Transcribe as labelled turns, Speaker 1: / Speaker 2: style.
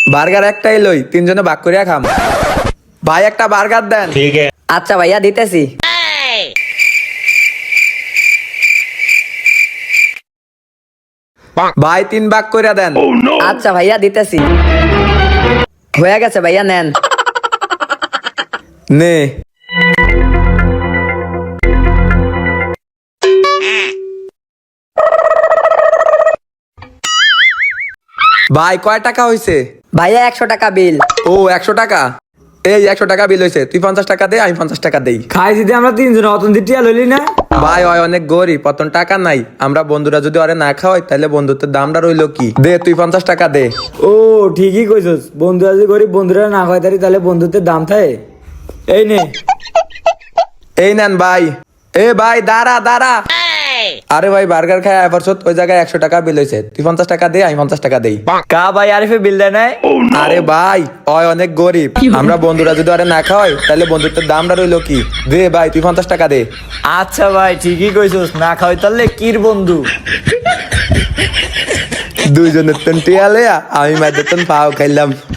Speaker 1: Burger একটাই লই, তিনজনে ভাগ করিয়া খাম। ভাই একটা বার্গার দেন।
Speaker 2: ठीक है।
Speaker 3: আচ্ছা ভাইয়া দিতেছি।
Speaker 1: ভাই 3 ভাগ করিয়া দেন।
Speaker 3: আচ্ছা ভাইয়া দিতেছি। হয়ে গেছে ভাইয়া, নেন।
Speaker 1: নে ভাই কয় টাকা হইছে?
Speaker 3: ভাইয়া 100 টাকা বিল।
Speaker 1: ও 100 টাকা। এই 100 টাকা বিল হয়েছে, তুই 50 টাকা দে, আমি 50 টাকা দেই।
Speaker 4: খাই যদি আমরা তিনজন অতন দিটিয়া লইলি না।
Speaker 1: ভাই ওই অনেক গরিব, পতন টাকা নাই। আমরা বন্ধুরা যদি ওরে না খাওয়াই তাহলে বন্ধুত্বের দামটা রইলো কি? দে তুই 50 টাকা দে।
Speaker 4: ও ঠিকই কইছস, বন্ধুরা যদি গরিব বন্ধুরা না খাওয়াই তারি তাহলে বন্ধুত্বের দাম থাকে। এই নে।
Speaker 1: এই নেন ভাই। এ ভাই দাঁড়া দাঁড়া। আরে ভাই বার্গার খায় এবার ওই জায়গায় 100 টাকা বিল হয়েছে, তুই 50 টাকা দে, আমি 50 টাকা দেই।
Speaker 4: কা ভাই আরিফে বিল দেয় নাই?
Speaker 1: আরে ভাই ওই অনেক গরিব, আমরা বন্ধুরা যদি ওরে না খাওয়াই তাহলে বন্ধুত্বের দামটা রইলো কি? দে ভাই তুই 50 টাকা দে।
Speaker 4: আচ্ছা ভাই ঠিকই কইছস, না খাওয়াই তাহলে কির বন্ধু।
Speaker 1: দুইজনের তেন টিয়ালে আমি মাঝে তেন পাও খাইলাম।